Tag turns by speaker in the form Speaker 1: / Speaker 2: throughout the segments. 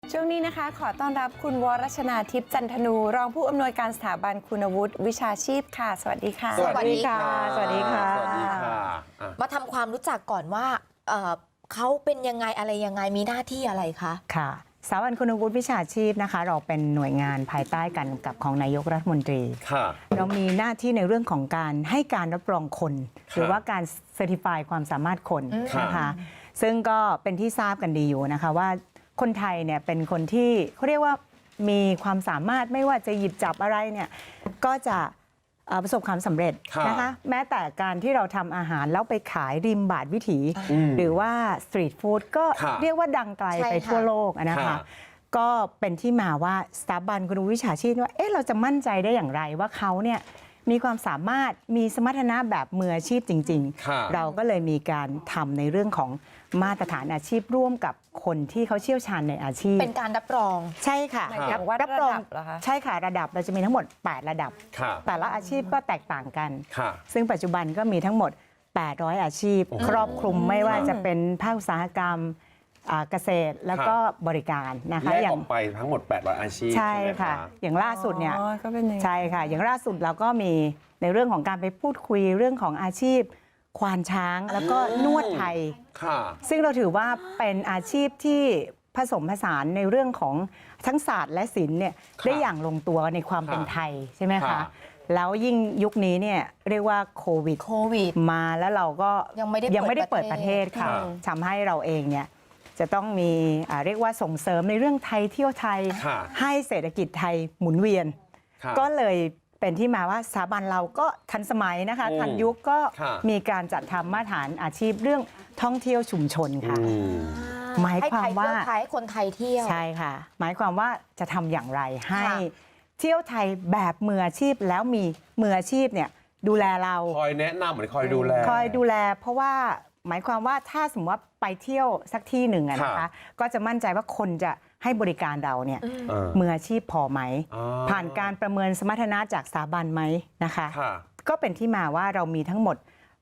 Speaker 1: ช่วงนี้นะคะขอต้อนรับคุณวรชนาทิพย์จันทนูรองผู้อำนวยการสถาบันคุณวุฒิวิชาชีพค่ะสวัสดีค่ะ
Speaker 2: สวัสดีค่ะ
Speaker 1: สวัสดีค่ะ
Speaker 2: มาทำความรู้จักก่อนว่าเขาเป็นยังไงอะไรยังไงมีหน้าที่อะไรคะ
Speaker 3: ค่ะสถาบันคุณวุฒิวิชาชีพนะคะเราเป็นหน่วยงานภายใต้การกำกับของนายกรัฐมนตรีเรามีหน้าที่ในเรื่องของการให้การรับรองคน หรือว่าการเซอร์ติฟายความสามารถคนนะคะซึ่งก็เป็นที่ทราบกันดีอยู่นะคะว่าคนไทยเนี่ยเป็นคนที่เขาเรียกว่ามีความสามารถไม่ว่าจะหยิบจับอะไรเนี่ยก็จะประสบความสำเร็จนะคะแม้แต่การที่เราทำอาหารแล้วไปขายริมบาทวิถีหรือว่าสตรีทฟู้ดก็เรียกว่าดังไกลไปทั่วโลกนะคะก็เป็นที่มาว่าสถาบันคุณวุฒิวิชาชีพว่าเราจะมั่นใจได้อย่างไรว่าเขาเนี่ยมีความสามารถมีสมรรถนะแบบมืออาชีพจริงๆเราก็เลยมีการทำในเรื่องของมาตรฐานอาชีพร่วมกับคนที่เขาเชี่ยวชาญในอาชีพ
Speaker 2: เป็นการรับรอง
Speaker 3: ใช่ค่ะ
Speaker 1: รับรองเหรอคะ
Speaker 3: ใช่ค่ะระดับเราจะมีทั้งหมด8ระดับแต่ละอาชีพก็แตกต่างกันซึ่งปัจจุบันก็มีทั้งหมด800อาชีพครอบคลุมไม่ว่าจะเป็นภาคอุตสาหกรรมเกษตรแล้วก็บริการนะคะ
Speaker 4: แยกออกไปทั้งหมด800อาชีพ
Speaker 3: ใช่ค่ะอย่างล่าสุดเนี่ยใช่ค่ะอย่างล่าสุดเราก็มีในเรื่องของการไปพูดคุยเรื่องของอาชีพควานช้างแล้วก็นวดไทยซึ่งเราถือว่าเป็นอาชีพที่ผสมผสานในเรื่องของทั้งศาสตร์และศิลป์เนี่ยได้อย่างลงตัวในความเป็นไทยใช่ไหมคะแล้วยิ่งยุคนี้เนี่ยเรียกว่าโควิดมาแล้วเราก็ยังไม่ได้เปิดประเทศค่ะทำให้เราเองเนี่ยจะต้องมีเรียกว่าส่งเสริมในเรื่องไทยเที่ยวไทยให้เศรษฐกิจไทยหมุนเวียนก็เลยเป็นที่มาว่าสถาบันเราก็ทันสมัยนะคะทันยุคก็มีการจัดทำมาตรฐานอาชีพเรื่องท่องเที่ยวชุมชนค่ะหมายความว่า
Speaker 2: ให้คนไทยเที่ยว
Speaker 3: ใช่ค่ะหมายความว่าจะทำอย่างไรให้เที่ยวไทยแบบมืออาชีพแล้วมีมืออาชีพเนี่ยดูแลเรา
Speaker 4: คอยแนะนำเหมือนคอยดูแล
Speaker 3: เพราะว่าหมายความว่าถ้าสมมติว่าไปเที่ยวสักที่หนึ่งนะคะก็จะมั่นใจว่าคนจะให้บริการเราเนี่ยมืออาชีพพอไหมผ่านการประเมินสมรรถนะจากสถาบันไหมนะคะก็เป็นที่มาว่าเรามีทั้งหมด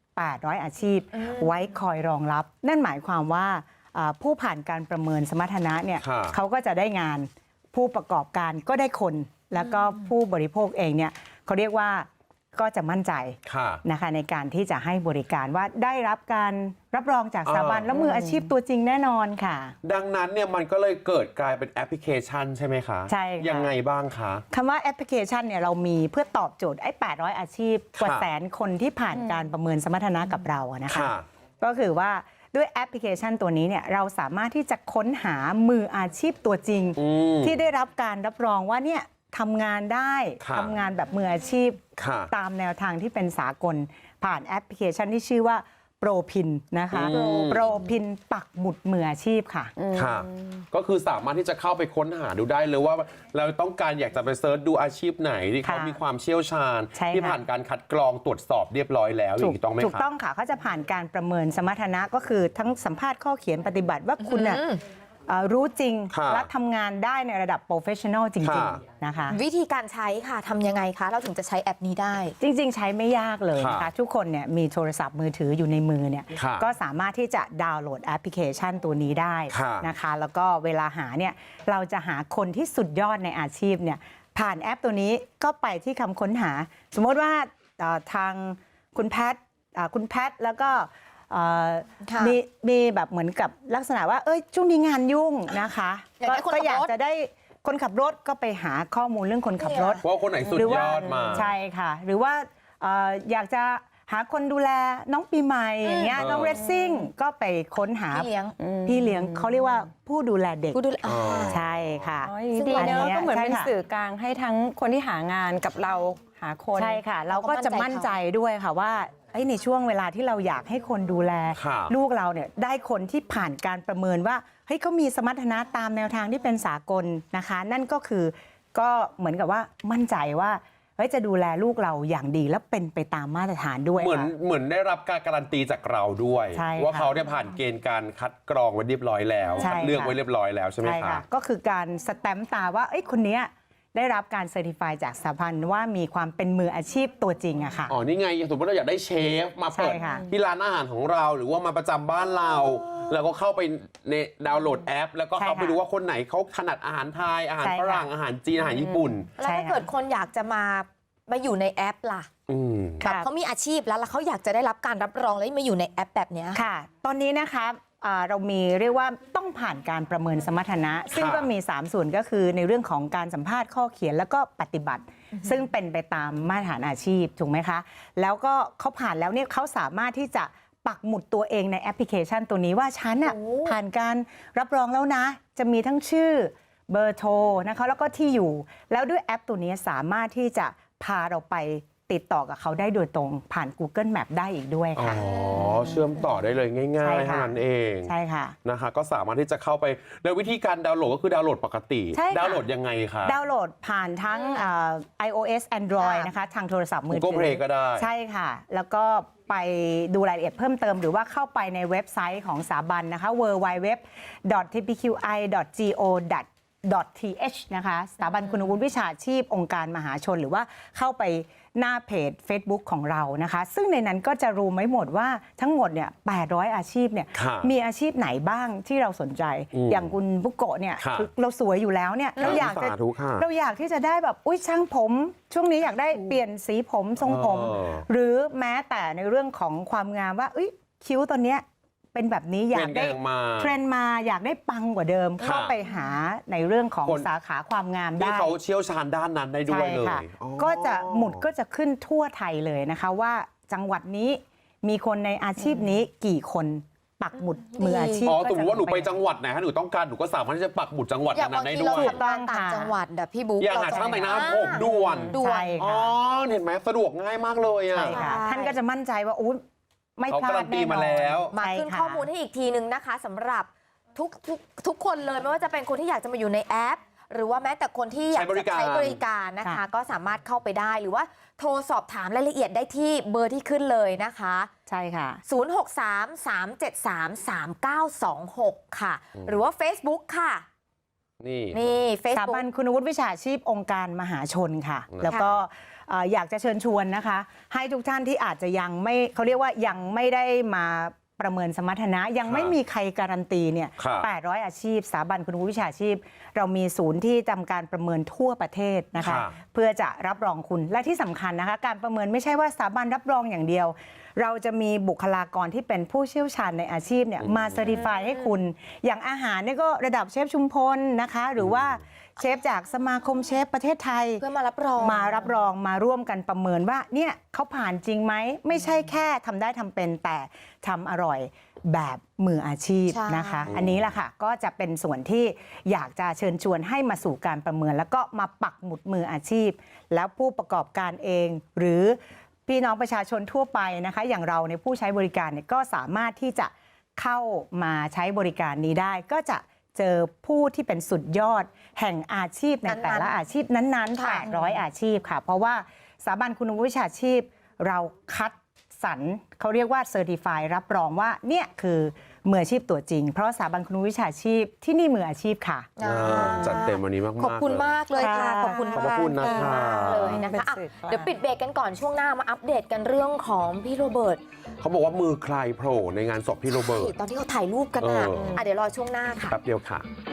Speaker 3: 800อาชีพไว้คอยรองรับนั่นหมายความว่าผู้ผ่านการประเมินสมรรถนะเนี่ยเขาก็จะได้งานผู้ประกอบการก็ได้คนแล้วก็ผู้บริโภคเองเนี่ยเขาเรียกว่าก็จะมั่นใจนะคะในการที่จะให้บริการว่าได้รับการรับรองจากสถาบันและมืออาชีพตัวจริงแน่นอนค่ะ
Speaker 4: ดังนั้นเนี่ยมันก็เลยเกิดกลายเป็นแอปพลิเคชันใช่ไหมคะ
Speaker 3: ใช่ค่ะ
Speaker 4: ยังไงบ้างคะ
Speaker 3: คำว่าแอปพลิเคชันเนี่ยเรามีเพื่อตอบโจทย์800อาชีพกว่าแสนคนที่ผ่านการประเมินสมรรถนะกับเรานะคะก็คือว่าด้วยแอปพลิเคชันตัวนี้เนี่ยเราสามารถที่จะค้นหามืออาชีพตัวจริงที่ได้รับการรับรองว่าเนี่ยทำงานได้ทำงานแบบมืออาชีพตามแนวทางที่เป็นสากลผ่านแอปพลิเคชันที่ชื่อว่าโปรพินนะคะโปรพินปักหมุดมืออาชีพค่ะ
Speaker 4: ก็คือสามารถที่จะเข้าไปค้นหาดูได้เลยว่าเราต้องการอยากจะไปเซิร์ชดูอาชีพไหนที่เขามีความเชี่ยวชาญที่ผ่านการคัดกรองตรวจสอบเรียบร้อยแล้วอย่างนี้ต้องไหมคะ
Speaker 3: ถูกต้องค่ะเขาจะผ่านการประเมินสมรรถนะก็คือทั้งสัมภาษณ์ข้อเขียนปฏิบัติว่าคุณรู้จริงและทำงานได้ในระดับโปรเฟชชั่นอลจริงๆนะคะ
Speaker 2: วิธีการใช้ค่ะทำยังไงคะเราถึงจะใช้แอปนี้ได้
Speaker 3: จริงๆใช้ไม่ยากเลยนะคะทุกคนเนี่ยมีโทรศัพท์มือถืออยู่ในมือเนี่ยก็สามารถที่จะดาวน์โหลดแอปพลิเคชันตัวนี้ได้นะคะแล้วก็เวลาหาเนี่ยเราจะหาคนที่สุดยอดในอาชีพเนี่ยผ่านแอปตัวนี้ก็ไปที่คำค้นหาสมมติว่าทางคุณแพทแล้วก็มีแบบเหมือนกับลักษณะว่าช่วงนี้งานยุ่งนะคะก็อยากจะได้คนขับรถก็ไปหาข้อมูลเรื่องคนขับรถ
Speaker 4: ว่าคนไหนสุดยอดมา
Speaker 3: ใช่ค่ะหรือว่าอยากจะหาคนดูแลน้องปีใหม่อย่างเงี้ยน้องเรซซิ่งก็ไปค้นหาพี่เลี้ยงเขาเรียกว่าผู้ดูแลเด็กใช่ค่ะ
Speaker 1: ดีเนอะก็เหมือนเป็นสื่อกลางให้ทั้งคนที่หางานกับเราหาคน
Speaker 3: ใช่ค่ะเราก็จะมั่นใจด้วยค่ะว่าในช่วงเวลาที่เราอยากให้คนดูแลลูกเราเนี่ยได้คนที่ผ่านการประเมินว่าเฮ้ยเขามีสมรรถนะตามแนวทางที่เป็นสากลนะคะนั่นก็คือก็เหมือนกับว่ามั่นใจว่าจะดูแลลูกเราอย่างดีและเป็นไปตามมาตรฐานด้วย
Speaker 4: เหมือนได้รับการการันตีจากเราด้วยว่าเขาได้ผ่านเกณฑ์การคัดกรองไว้เรียบร้อยแล้วคัดเลือกไว้เรียบร้อยแล้วใช่ไหมคะ
Speaker 3: ก็คือการสแตมป์ตาว่าคนนี้ได้รับการเซอร์ติฟายจากสถาบันว่ามีความเป็นมืออาชีพตัวจริงอะค่ะ
Speaker 4: นี่ไงสมมติเราอยากได้เชฟมาเปิดที่ร้านอาหารของเราหรือว่ามาประจำบ้านเราแล้วก็เข้าไปในดาวน์โหลดแอป แล้วก็เข้าไป
Speaker 3: ใช่ค่ะ
Speaker 4: ดูว่าคนไหนเขาถนัดอาหารไทยอาหาร
Speaker 3: ใช่
Speaker 4: ฝ
Speaker 3: ค่ะ
Speaker 4: รั่งอาหารจีนอาหารญี่ปุ่น
Speaker 2: แล้วถ้าเกิดคนอยากจะมาอยู่ในแอปล่ะ
Speaker 4: อืม
Speaker 2: แบบเขามีอาชีพแล้วเขาอยากจะได้รับการรับรองแล้วมาอยู่ในแอปแบบเนี้ย
Speaker 3: ค่ะ ตอนนี้นะคะเรามีเรียกว่าต้องผ่านการประเมินสมรรถนะ ซึ่งก็มี 3 ส่วนก็คือในเรื่องของการสัมภาษณ์ข้อเขียนแล้วก็ปฏิบัติ ซึ่งเป็นไปตามมาตรฐานอาชีพถูกไหมคะ แล้วก็เขาผ่านแล้วเนี่ยเขาสามารถที่จะปักหมุดตัวเองในแอปพลิเคชันตัวนี้ว่าฉันน่ะ
Speaker 2: โอ้
Speaker 3: ผ่านการรับรองแล้วนะ จะมีทั้งชื่อเบอร์โทรนะคะแล้วก็ที่อยู่ แล้วด้วยแอปตัวนี้สามารถที่จะพาเราไปติดต่อกับเขาได้โดยตรงผ่าน Google Map ได้อีกด้วย
Speaker 4: อ๋อ
Speaker 3: ค่ะ
Speaker 4: เชื่อมต่อได้เลยง่าย
Speaker 3: ใช่
Speaker 4: ๆ
Speaker 3: ค่ะ
Speaker 4: เท่านั้นเอง
Speaker 3: ใช่ค่ะ
Speaker 4: นะคะก็สามารถที่จะเข้าไปแล้ววิธีการดาวน์โหลดก็คือดาวน์โหลดปกติ
Speaker 3: ใช่ค่ะ
Speaker 4: ดาวน์โหลดยังไงคะ
Speaker 3: ดาวน์โหลดผ่านทั้งiOS Android
Speaker 2: ค่ะ
Speaker 3: นะคะทางโทรศัพท์มือถื
Speaker 4: Google Play ก็ได้
Speaker 3: ใช่ค่ะ แล้วก็ไปดูรายละเอียดเพิ่มเติม หรือว่าเข้าไปในเว็บไซต์ของสถาบันนะคะ www.tpqi.go.th นะคะสถาบันคุณวุฒิวิชาชีพองค์การมหาชน หรือว่าเข้าไปหน้าเพจ Facebook ของเรานะคะ ซึ่งในนั้นก็จะรู้ไม่หมดว่าทั้งหมดเนี่ย800 อาชีพเนี่ย
Speaker 4: ค่ะ
Speaker 3: มีอาชีพไหนบ้างที่เราสนใจ อย่างคุณบุโกะเนี่ย
Speaker 4: ค่ะ
Speaker 3: คือเราสวยอยู่แล้วเนี่ยเราอยากจะ
Speaker 4: สาธุค่ะ
Speaker 3: เราอยากที่จะได้แบบอุ้ยช่างผม ช่วงนี้อยากได้เปลี่ยนสีผมทรงผม หรือแม้แต่ในเรื่องของความงามว่าอุ้ยคิ้วตอนเนี้ยเป็นแบบนี้อยากได้
Speaker 4: เทรนด์มา
Speaker 3: อยากได้ปังกว่าเดิม
Speaker 4: ค่ะ
Speaker 3: เข้าไปหาในเรื่องของ
Speaker 4: คน
Speaker 3: สาขาความงาม
Speaker 4: ที่
Speaker 3: ได้
Speaker 4: เขาเชี่ยวชาญด้านนั้นได้ด้วยเลย
Speaker 3: ค่ะ
Speaker 4: อ๋อ
Speaker 3: ก็จะหมุดก็จะขึ้นทั่วไทยเลยนะคะว่าจังหวัดนี้มีคนในอาชีพนี้กี่คนปักหมุดมืออาชีพ
Speaker 4: อ๋อ
Speaker 3: ก็
Speaker 4: สมมติว่าหนูไป
Speaker 3: ลง
Speaker 4: จังหวัดไหนฮะหนูต้องการหนูก็สามารถที่จะปักหมุดจังหวัด
Speaker 2: อย่าง
Speaker 4: นั้
Speaker 2: บาง
Speaker 4: นได้
Speaker 2: ที
Speaker 4: ด้
Speaker 2: เรา
Speaker 4: วย
Speaker 2: ทำงานต่างจังหวัดอะพี่บุ๊ค
Speaker 4: อย่างหาช่างแต่งหน้าผมด่วน
Speaker 2: ด่วน
Speaker 3: ใช่
Speaker 4: อ๋อ
Speaker 3: ค่ะ
Speaker 4: เห็นไหมสะดวกง่ายมากเลยอ่ะ
Speaker 3: ใช่ค่ะ
Speaker 2: ใช่
Speaker 3: ท่านก็จะมั่นใจว่าอุ้ยไม่พลา
Speaker 4: เขาการั
Speaker 3: ด
Speaker 4: นตี
Speaker 3: แน่นอน
Speaker 4: มาแล้ว
Speaker 2: มาขึ้น
Speaker 3: ใช่ค่ะ
Speaker 2: ข้อมูลให้อีกทีนึงนะคะสำหรับทุกคนเลยไม่ว่าจะเป็นคนที่อยากจะมาอยู่ในแอป หรือว่าแม้แต่คนที่อยากจะใช้บริการนะคะ
Speaker 3: ค่ะ
Speaker 2: ก็สามารถเข้าไปได้หรือว่าโทรสอบถามรายละเอียดได้ที่เบอร์ที่ขึ้นเลยนะคะ
Speaker 3: ใช่ค่ะ
Speaker 2: 063-373-3926 ค่ะ หรือว่า Facebook ค่ะ
Speaker 4: นี่
Speaker 2: นี่
Speaker 3: สถา
Speaker 2: Facebook
Speaker 3: บันคุณวุฒิวิชาชีพองค์การมหาชนค่ะ
Speaker 4: ค่ะ
Speaker 3: แล้วก็อยากจะเชิญชวนนะคะ ให้ทุกท่านที่อาจจะยังไม่เขาเรียกว่ายังไม่ได้มาประเมินสมรรถนะ ยังไม่มีใครการันตีเนี่ย
Speaker 4: ค่ะ
Speaker 3: 800 อาชีพสถาบันคุณวุฒิวิชาชีพ เรามีศูนย์ที่ทำการประเมินทั่วประเทศนะคะ
Speaker 4: ค่ะ
Speaker 3: เพื่อจะรับรองคุณและที่สำคัญนะคะ การประเมินไม่ใช่ว่าสถาบันรับรองอย่างเดียว เราจะมีบุคลากรที่เป็นผู้เชี่ยวชาญในอาชีพเนี่ยมาเซอร์ติฟายให้คุณ อย่างอาหารเนี่ยก็ระดับเชฟชุมพลนะคะ หรือว่าเชฟจากสมาคมเชฟประเทศไทย
Speaker 2: เพื่อมารับรอง
Speaker 3: มารับรองมาร่วมกันประเมินว่าเนี่ยเขาผ่านจริงไหมไม่ใช่แค่ทำได้ทำเป็นแต่ทำอร่อยแบบมืออาชีพ
Speaker 2: ใช่
Speaker 3: นะคะ อันนี้แหละค่ะก็จะเป็นส่วนที่อยากจะเชิญชวนให้มาสู่การประเมิน แล้วก็มาปักหมุดมืออาชีพ แล้วผู้ประกอบการเอง หรือพี่น้องประชาชนทั่วไปนะคะอย่างเราในยผู้ใช้บริการเนี่ยก็สามารถที่จะเข้ามาใช้บริการนี้ได้ ก็จะเจอผู้ที่เป็นสุดยอดแห่งอาชีพในแต่ละอาชีพนั้นๆ
Speaker 2: ค่ะ
Speaker 3: 800 อาชีพค่ะ เพราะว่าสถาบันคุณวุฒิวิชาชีพ เราคัดสรรเขาเรียกว่าเซอร์ติฟายรับรองว่าเนี่ยคือมืออาชีพตัวจริง เพราะสถาบันคุณวุฒิวิชาชีพที่นี่มืออาชีพค่ะ
Speaker 4: จัดเต็มวันนี้มากๆ
Speaker 2: ขอบคุณมากเลยค่ะ
Speaker 3: ค่ะ
Speaker 2: ขอบคุณ
Speaker 4: ขอบพระคุณนะคะ
Speaker 2: มากเลยนะคะอ่ะ
Speaker 1: เป็นสื่อ
Speaker 2: เดี๋ยวปิดเบรกกันก่อนช่วงหน้ามาอัปเดตกันเรื่องของพี่โรเบิร์ต
Speaker 4: เขาบอกว่ามือใครโผล่ในงานศพพี่โรเบิร์ต
Speaker 2: ตอนที่เขาถ่ายรูปกันอ่ะ
Speaker 4: เออ
Speaker 2: เดี๋ยวรอช่วงหน้าค่ะ
Speaker 4: แป๊บเดียวค่ะ